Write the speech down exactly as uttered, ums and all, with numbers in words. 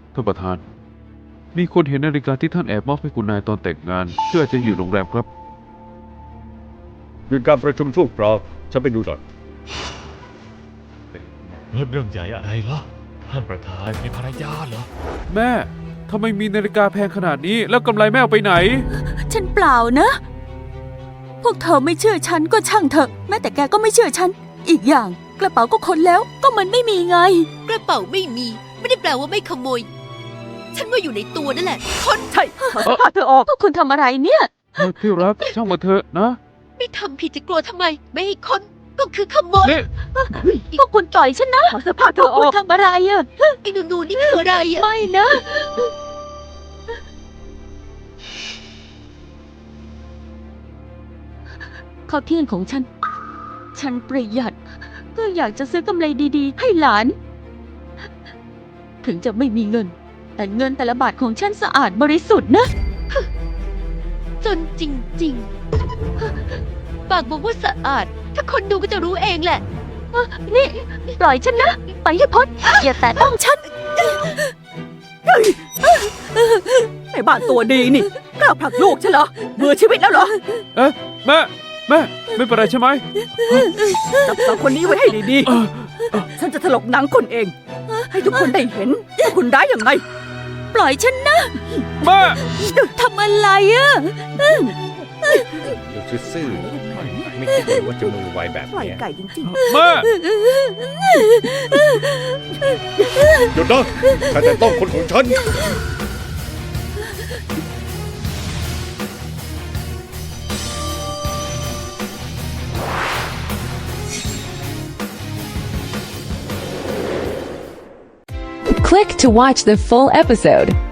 ท่านประธานมีคนเห็นนาฬิกาที่ท่านแอบมอบให้คุณนายตอนแต่งงานเชื่อจะอยู่โรงแรมครับหยุดการประชุมชั่วคราวฉันไปดูหน่อยเรื่องใหญ่อะไรเหรอท่านประธานมีภรรยาเหรอแม่ทำไมมีนาฬิกาแพงขนาดนี้แล้วกำไรแม่เอาไปไหนฉันเปล่านะ พวกเธอไม่เชื่อฉันก็ช่างเถอะแม้แต่แกก็ไม่เชื่อฉัน อีกอย่างกระเป๋าก็ค้นแล้วก็มันไม่มีไงกระเป๋าไม่มี ไม่ได้แปลว่าไม่ขโมย ฉันว่าอยู่ในตัวนั่นแหละคนใช่ถอดเสื้อผ้าเธอออกพวกคุณทำอะไรเนี่ยเออที่รักช่างมาเถอะนะไม่ทำผิดจะกลัวทำไม ไม่ให้คนก็คือขโมยนี่พวกคุณปล่อยฉันนะถอดเสื้อผ้าเธอออกพวกคุณทำอะไรอะไอ้หนูๆนี่คืออะไรอะไม่นะ ข้าวเที่ยงของฉัน ฉันประหยัดเพื่ออยากจะซื้อกำไรดีๆ ให้หลาน ถึงจะไม่มีเงิน แต่เงินแต่ละบาทของฉันสะอาดบริสุทธิ์นะจนจริงๆ ปากบอกว่าสะอาด ถ้าคนดูก็จะรู้เองแหละนี่ ปล่อยฉันนะ ไปให้พ้นอย่าแตะต้องฉันไอ้บ้านตัวดีนี่กล้าผลักลูกฉันเหรอเบื่อชีวิตแล้วเหรอเอ๊ะแม่แม่ไม่เป็นไรใช่ไหมจับสาวคนนี้ไว้ให้ดีๆฉันจะถลกหนังคนเอง ให้ทุกคนได้เห็นว่าคุณร้ายยังไงปล่อยฉันนะแม่ทำอะไรอะเดี๋ยวซื่อๆไม่คิดเลยว่าจะมือไวแบบปล่อยเนี้ยไก่จริงแม่หยุดนะถ้าแต่ต้องคนของฉัน Click to watch the full episode.